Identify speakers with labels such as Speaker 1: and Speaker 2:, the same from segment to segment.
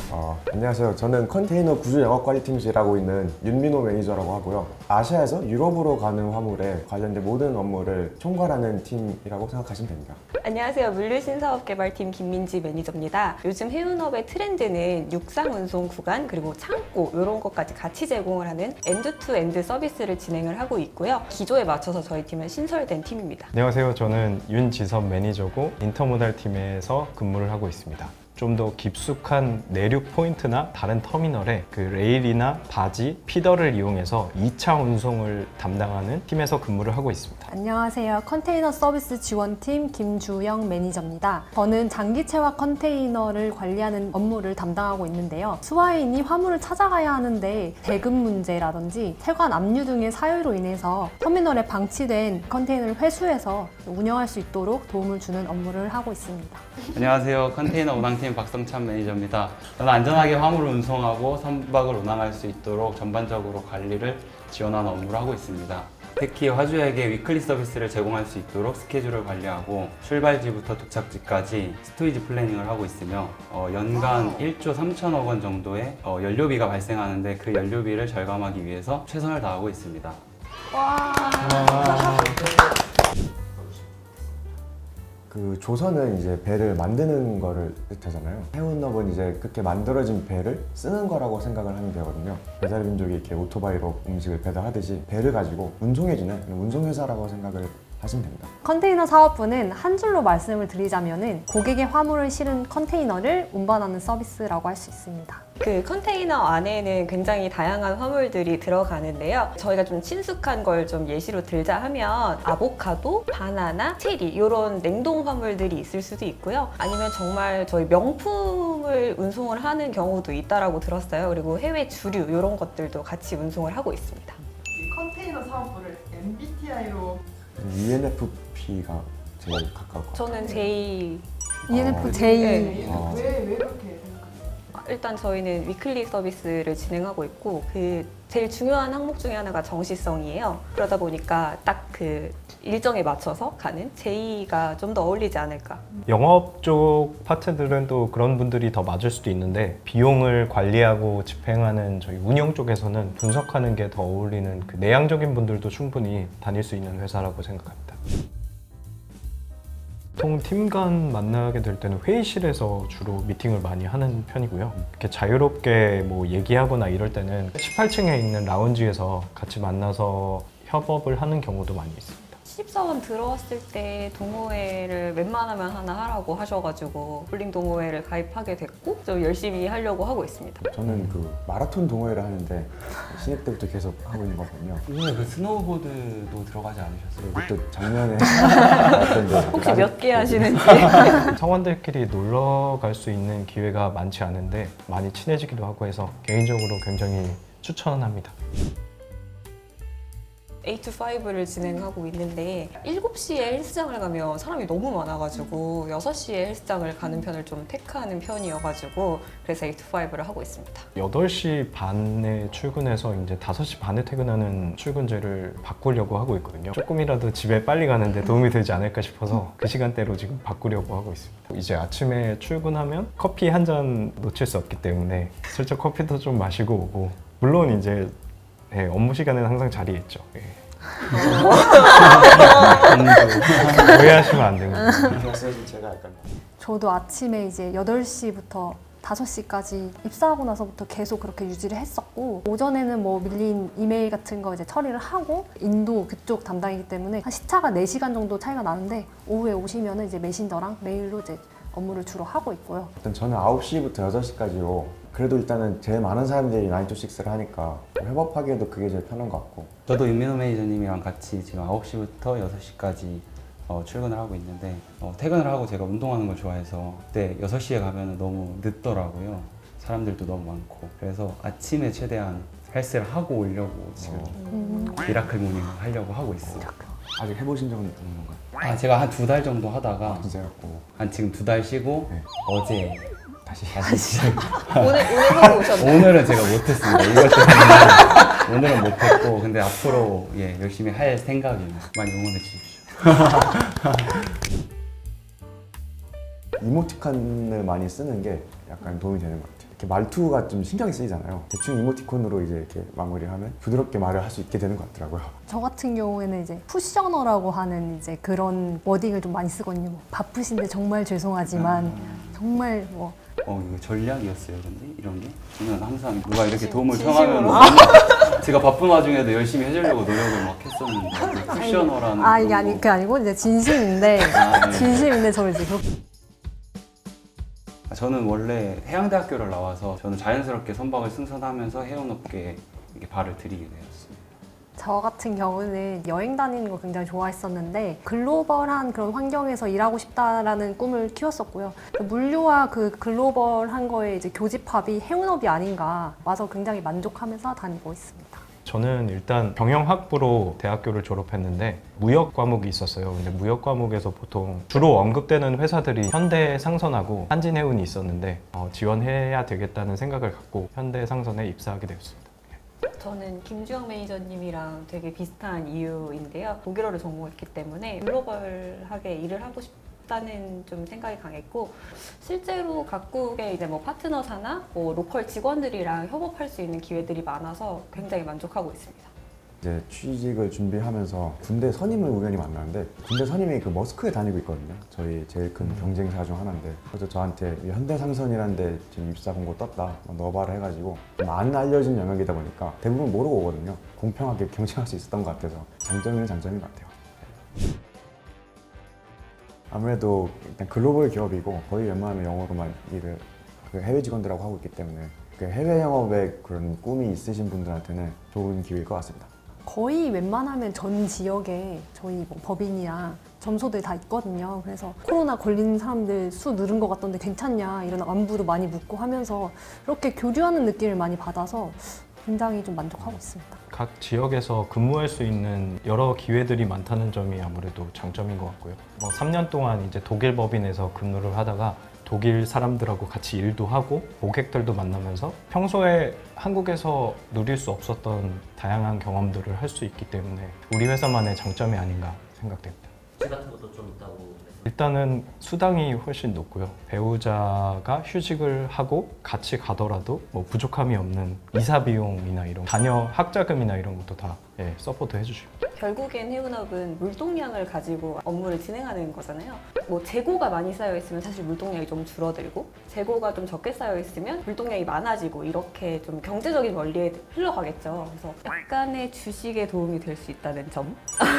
Speaker 1: 안녕하세요. 저는 컨테이너 구조 영업관리팀에서 일하고 있는 윤민호 매니저라고 하고요. 아시아에서 유럽으로 가는 화물에 관련된 모든 업무를 총괄하는 팀이라고 생각하시면 됩니다.
Speaker 2: 안녕하세요. 물류신사업개발팀 김민지 매니저입니다. 요즘 해운업의 트렌드는 육상 운송 구간 그리고 창고 이런 것까지 같이 제공을 하는 엔드-투-엔드 서비스를 진행을 하고 있고요. 기조에 맞춰서 저희 팀은 신설된 팀입니다.
Speaker 3: 안녕하세요. 저는 윤지섭 매니저고 인터모달 팀에서 근무를 하고 있습니다. 좀 더 깊숙한 내륙 포인트나 다른 터미널에 그 레일이나 바지, 피더를 이용해서 2차 운송을 담당하는 팀에서 근무를 하고 있습니다.
Speaker 4: 안녕하세요. 컨테이너 서비스 지원팀 김주영 매니저입니다. 저는 장기체화 컨테이너를 관리하는 업무를 담당하고 있는데요. 수화인이 화물을 찾아가야 하는데 대금 문제라든지 세관 압류 등의 사유로 인해서 터미널에 방치된 컨테이너를 회수해서 운영할 수 있도록 도움을 주는 업무를 하고 있습니다.
Speaker 5: 안녕하세요. 컨테이너 운항팀 박성찬 매니저입니다. 저는 안전하게 화물을 운송하고 선박을 운항할 수 있도록 전반적으로 관리를 지원하는 업무를 하고 있습니다. 특히 화주에게 위클리 서비스를 제공할 수 있도록 스케줄을 관리하고 출발지부터 도착지까지 스토리지 플래닝을 하고 있으며 연간 1조 3천억 원 정도의 연료비가 발생하는데 그 연료비를 절감하기 위해서 최선을 다하고 있습니다.
Speaker 1: 그 조선은 이제 배를 만드는 거를 뜻하잖아요. 해운업은 이제 그렇게 만들어진 배를 쓰는 거라고 생각을 하면 되거든요. 배달민족이 이렇게 오토바이로 음식을 배달하듯이 배를 가지고 운송해주는 운송회사라고 생각을 하시면 됩니다.
Speaker 4: 컨테이너 사업부는 한 줄로 말씀을 드리자면은 고객의 화물을 실은 컨테이너를 운반하는 서비스라고 할 수 있습니다.
Speaker 2: 그 컨테이너 안에는 굉장히 다양한 화물들이 들어가는데요. 저희가 좀 친숙한 걸 좀 예시로 들자 하면 아보카도, 바나나, 체리 이런 냉동 화물들이 있을 수도 있고요. 아니면 정말 저희 명품을 운송을 하는 경우도 있다라고 들었어요. 그리고 해외 주류 이런 것들도 같이 운송을 하고 있습니다.
Speaker 6: 이 컨테이너 사업부를 MBTI로
Speaker 1: ENFP가 제일 가까울 것 같아요.
Speaker 2: 저는 제이
Speaker 4: ENFJ.
Speaker 2: 네.
Speaker 6: 왜 그렇게 생각하세요?
Speaker 2: 일단 저희는 위클리 서비스를 진행하고 있고 그 제일 중요한 항목 중에 하나가 정시성이에요. 그러다 보니까 딱 그 일정에 맞춰서 가는 제이가 좀 더 어울리지 않을까.
Speaker 3: 영업 쪽 파트들은 또 그런 분들이 더 맞을 수도 있는데 비용을 관리하고 집행하는 저희 운영 쪽에서는 분석하는 게 더 어울리는 그 내향적인 분들도 충분히 다닐 수 있는 회사라고 생각합니다. 보통 팀 간 만나게 될 때는 회의실에서 주로 미팅을 많이 하는 편이고요. 이렇게 자유롭게 뭐 얘기하거나 이럴 때는 18층에 있는 라운지에서 같이 만나서 협업을 하는 경우도 많이 있습니다.
Speaker 2: 신입사원 들어왔을 때 동호회를 웬만하면 하나 하라고 하셔가지고 볼링 동호회를 가입하게 됐고 좀 열심히 하려고 하고 있습니다.
Speaker 1: 저는 그 마라톤 동호회를 하는데 신입 때부터 계속 하고 있는 거거든요.
Speaker 5: 이번에 그 스노우보드도 들어가지 않으셨어요?
Speaker 1: 그때 작년에 했던데
Speaker 2: 혹시 몇 개 하시는지?
Speaker 3: 성원들끼리 놀러 갈 수 있는 기회가 많지 않은데 많이 친해지기도 하고 해서 개인적으로 굉장히 추천합니다.
Speaker 2: 8to5를 진행하고 있는데 7시에 헬스장을 가면 사람이 너무 많아가지고 6시에 헬스장을 가는 편을 좀 택하는 편이어가지고 그래서 8to5를 하고 있습니다.
Speaker 3: 8시 반에 출근해서 이제 5시 반에 퇴근하는 출근제를 바꾸려고 하고 있거든요. 조금이라도 집에 빨리 가는데 도움이 되지 않을까 싶어서 그 시간대로 지금 바꾸려고 하고 있습니다. 이제 아침에 출근하면 커피 한 잔 놓칠 수 없기 때문에 슬쩍 커피도 좀 마시고 오고 물론 이제 업무 시간에는 항상 자리에 있죠. 오해하시면 안 됩니다.
Speaker 1: 제가 약간
Speaker 4: 저도 아침에 이제 8시부터 5시까지 입사하고 나서부터 계속 그렇게 유지를 했었고 오전에는 뭐 밀린 이메일 같은 거 이제 처리를 하고 인도 그쪽 담당이기 때문에 한 시차가 4시간 정도 차이가 나는데 오후에 오시면은 이제 메신저랑 메일로 이제 업무를 주로 하고 있고요.
Speaker 1: 일단 저는 9시부터 6시까지로 그래도 일단은 제일 많은 사람들이 9to6를 하니까 협업하기에도 그게 제일 편한 것 같고
Speaker 5: 저도 윤민호 매니저님이랑 같이 지금 9시부터 6시까지 출근을 하고 있는데 퇴근을 하고 제가 운동하는 걸 좋아해서 그때 6시에 가면 너무 늦더라고요. 사람들도 너무 많고 그래서 아침에 최대한 헬스를 하고 오려고 지금 미라클 모닝 하려고 하고 있어요.
Speaker 1: 아직 해보신 적은 없는 건가요?
Speaker 5: 제가 한 2달 정도 하다가
Speaker 1: 진짜요?
Speaker 5: 한 지금 2달 쉬고
Speaker 1: 네.
Speaker 5: 어제
Speaker 1: 다시
Speaker 5: 시작.
Speaker 2: 오늘 하고 오셨나요?
Speaker 5: 오늘은 제가 못했습니다. 이것 때문에 오늘은 못했고 근데 앞으로 열심히 할 생각입니다. 많이 응원해 주십시오.
Speaker 1: 이모티콘을 많이 쓰는 게 약간 도움이 되는 것 같아요. 이렇게 말투가 좀 신경이 쓰이잖아요. 대충 이모티콘으로 이제 이렇게 마무리하면 부드럽게 말을 할 수 있게 되는 것 같더라고요.
Speaker 4: 저 같은 경우에는 이제 쿠셔너라고 하는 이제 그런 워딩을 좀 많이 쓰거든요. 뭐 바쁘신데 정말 죄송하지만 정말 뭐
Speaker 5: 이거 전략이었어요, 근데 이런 게? 저는 항상 누가 이렇게 도움을
Speaker 2: 진심으로?
Speaker 5: 청하면 제가 바쁜 와중에도 열심히 해주려고 노력을 막 했었는데 쿠셔너라는
Speaker 4: 아 이게
Speaker 5: 그런 거.
Speaker 4: 그게 아니고 이제 진심인데
Speaker 5: 아, 네.
Speaker 4: 진심인데 저를 이제 그렇게
Speaker 5: 저는 원래 해양대학교를 나와서 저는 자연스럽게 선박을 승선하면서 해운업계에 이렇게 발을 들이게 되었습니다.
Speaker 4: 저 같은 경우는 여행 다니는 거 굉장히 좋아했었는데 글로벌한 그런 환경에서 일하고 싶다라는 꿈을 키웠었고요. 물류와 그 글로벌한 거에 이제 교집합이 해운업이 아닌가 와서 굉장히 만족하면서 다니고 있습니다.
Speaker 3: 저는 일단 경영학부로 대학교를 졸업했는데 무역 과목이 있었어요. 근데 무역 과목에서 보통 주로 언급되는 회사들이 현대상선하고 한진해운이 있었는데 지원해야 되겠다는 생각을 갖고 현대상선에 입사하게 되었습니다.
Speaker 2: 저는 김주영 매니저님이랑 되게 비슷한 이유인데요. 독일어를 전공했기 때문에 글로벌하게 일을 하고 싶다는 좀 생각이 강했고, 실제로 각국의 이제 뭐 파트너사나 뭐 로컬 직원들이랑 협업할 수 있는 기회들이 많아서 굉장히 만족하고 있습니다.
Speaker 1: 이제 취직을 준비하면서 군대 선임을 우연히 만났는데 군대 선임이 그 머스크에 다니고 있거든요. 저희 제일 큰 경쟁사 중 하나인데 그래서 저한테 이 현대상선이라는 데 지금 입사 공고 떴다 넣어봐라 해가지고 좀 안 알려진 영역이다 보니까 대부분 모르고 오거든요. 공평하게 경쟁할 수 있었던 것 같아서 장점은 장점인 것 같아요. 아무래도 일단 글로벌 기업이고 거의 웬만하면 영어로만 일을 그 해외 직원들하고 하고 있기 때문에 그 해외 영업에 그런 꿈이 있으신 분들한테는 좋은 기회일 것 같습니다.
Speaker 4: 거의 웬만하면 전 지역에 저희 뭐 법인이랑 점소들 다 있거든요. 그래서 코로나 걸린 사람들 수 늘은 것 같던데 괜찮냐 이런 안부도 많이 묻고 하면서 이렇게 교류하는 느낌을 많이 받아서 굉장히 좀 만족하고 있습니다.
Speaker 3: 각 지역에서 근무할 수 있는 여러 기회들이 많다는 점이 아무래도 장점인 것 같고요. 3년 동안 이제 독일 법인에서 근무를 하다가 독일 사람들하고 같이 일도 하고 고객들도 만나면서 평소에 한국에서 누릴 수 없었던 다양한 경험들을 할 수 있기 때문에 우리 회사만의 장점이 아닌가 생각됩니다.
Speaker 7: 휴지 같은 것도 좀 있다고 했어요.
Speaker 3: 일단은 수당이 훨씬 높고요. 배우자가 휴직을 하고 같이 가더라도 뭐 부족함이 없는 이사 비용이나 이런 자녀 학자금이나 이런 것도 다 서포트 해주십니다.
Speaker 2: 결국엔 해운업은 물동량을 가지고 업무를 진행하는 거잖아요. 뭐 재고가 많이 쌓여 있으면 사실 물동량이 좀 줄어들고, 재고가 좀 적게 쌓여 있으면 물동량이 많아지고, 이렇게 좀 경제적인 원리에 흘러가겠죠. 그래서 약간의 주식에 도움이 될 수 있다는 점.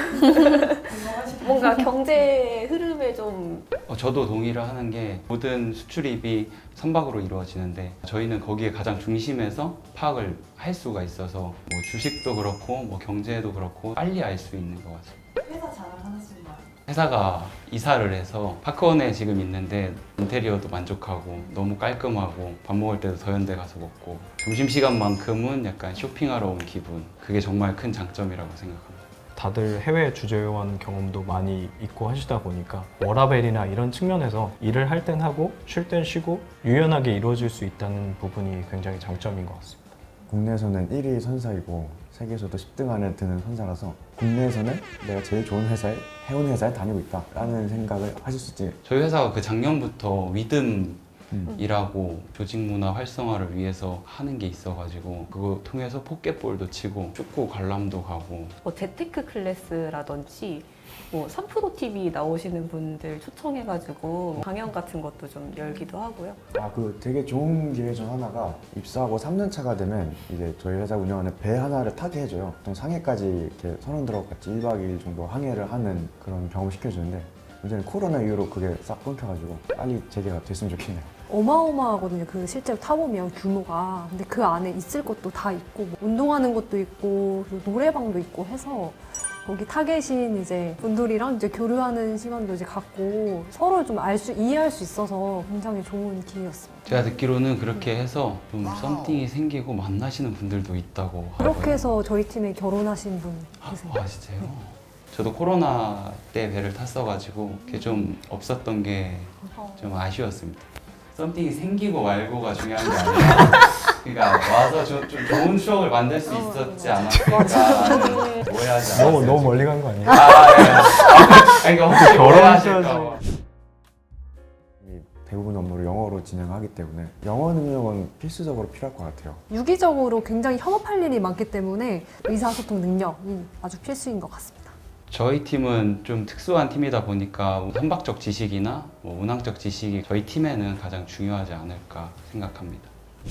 Speaker 2: 뭔가 경제 흐름에 좀
Speaker 5: 저도 동의를 하는 게 모든 수출입이 선박으로 이루어지는데 저희는 거기에 가장 중심에서 파악을 할 수가 있어서 뭐 주식도 그렇고 뭐 경제도 그렇고 빨리 알 수 있는 것 같습니다.
Speaker 6: 회사 자랑 하나씩만.
Speaker 5: 회사가 이사를 해서 파크원에 지금 있는데 인테리어도 만족하고 너무 깔끔하고 밥 먹을 때도 더현대 가서 먹고 점심시간만큼은 약간 쇼핑하러 온 기분, 그게 정말 큰 장점이라고 생각합니다.
Speaker 3: 다들 해외 주재원 경험도 많이 있고 하시다 보니까 워라밸이나 이런 측면에서 일을 할 땐 하고 쉴 땐 쉬고 유연하게 이루어질 수 있다는 부분이 굉장히 장점인 것 같습니다.
Speaker 1: 국내에서는 1위 선사이고 세계에서도 10등 안에 드는 선사라서 국내에서는 내가 제일 좋은 회사에 해운 회사에 다니고 있다라는 생각을 하실 수 있지.
Speaker 5: 저희 회사가 그 작년부터 위듬이라고 조직 문화 활성화를 위해서 하는 게 있어가지고 그거 통해서 포켓볼도 치고 축구 관람도 가고.
Speaker 2: 뭐 재테크 클래스라든지 뭐 3프로 TV 나오시는 분들 초청해가지고 강연 같은 것도 좀 열기도 하고요.
Speaker 1: 그 되게 좋은 기회 중 하나가 입사하고 3년 차가 되면 이제 저희 회사 운영하는 배 하나를 타게 해줘요. 보통 상해까지 이렇게 선원들하고 같이 1박 2일 정도 항해를 하는 그런 경험을 시켜주는데 문제는 코로나 이후로 그게 싹 끊겨가지고 빨리 재개가 됐으면 좋겠네요.
Speaker 4: 어마어마하거든요. 그 실제로 타보면 규모가. 근데 그 안에 있을 것도 다 있고 뭐 운동하는 것도 있고 그리고 노래방도 있고 해서 거기 타 계신 이제 분들이랑 이제 교류하는 시간도 이제 갖고 서로 좀 이해할 수 있어서 굉장히 좋은 기회였습니다.
Speaker 5: 제가 듣기로는 그렇게 해서 좀 썸띵이 생기고 만나시는 분들도 있다고
Speaker 4: 그렇게
Speaker 5: 하더라고요.
Speaker 4: 해서 저희 팀에 결혼하신 분 계세요.
Speaker 5: 아 진짜요? 저도 코로나 때 배를 탔어가지고 그게 좀 없었던 게 좀 아쉬웠습니다. 썸띵이 생기고 말고가 중요한 게 아니라 그러니까 와서 좀 좋은 추억을 만들 수 있었지 않았을까라는 오해하지 않았어요.
Speaker 3: 너무 멀리 간 거 아니에요?
Speaker 5: 아, 네. 그러니까 혹시
Speaker 3: 결혼하셔야지.
Speaker 5: 오해하실까 봐.
Speaker 1: 대부분 업무를 영어로 진행하기 때문에 영어 능력은 필수적으로 필요할 것 같아요.
Speaker 4: 유기적으로 굉장히 협업할 일이 많기 때문에 의사소통 능력이 아주 필수인 것 같습니다.
Speaker 5: 저희 팀은 좀 특수한 팀이다 보니까 선박적 지식이나 운항적 지식이 저희 팀에는 가장 중요하지 않을까 생각합니다.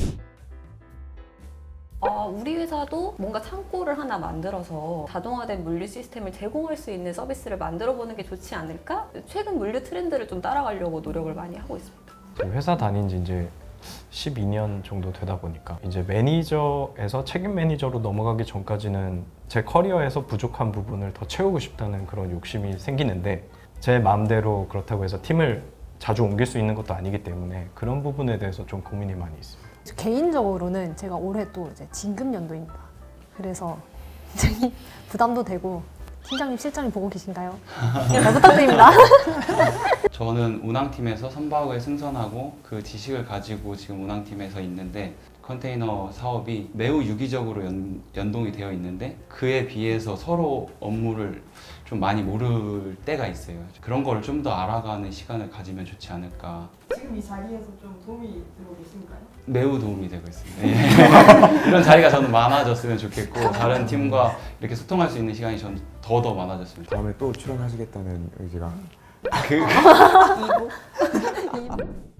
Speaker 2: 우리 회사도 뭔가 창고를 하나 만들어서 자동화된 물류 시스템을 제공할 수 있는 서비스를 만들어 보는 게 좋지 않을까? 최근 물류 트렌드를 좀 따라가려고 노력을 많이 하고 있습니다.
Speaker 3: 저희 회사 다닌 지 이제 12년 정도 되다 보니까 이제 매니저에서 책임 매니저로 넘어가기 전까지는 제 커리어에서 부족한 부분을 더 채우고 싶다는 그런 욕심이 생기는데 제 마음대로 그렇다고 해서 팀을 자주 옮길 수 있는 것도 아니기 때문에 그런 부분에 대해서 좀 고민이 많이 있습니다.
Speaker 4: 개인적으로는 제가 올해 또 이제 진급 연도입니다. 그래서 굉장히 부담도 되고 팀장님, 실장님 보고 계신가요? 잘 부탁드립니다.
Speaker 5: 저는 운항팀에서 선박을 승선하고 그 지식을 가지고 지금 운항팀에서 있는데 컨테이너 사업이 매우 유기적으로 연동이 되어 있는데 그에 비해서 서로 업무를 좀 많이 모를 때가 있어요. 그런 걸 좀 더 알아가는 시간을 가지면 좋지 않을까.
Speaker 6: 지금 이 자리에서 좀 도움이 되고 계신가요?
Speaker 5: 매우 도움이 되고 있습니다. 예. 이런 자리가 저는 많아졌으면 좋겠고 다른 팀과 이렇게 소통할 수 있는 시간이 전 더 많아졌으면 좋겠습니다.
Speaker 1: 다음에 또 출연하시겠다는 의지가
Speaker 5: 그
Speaker 2: 이거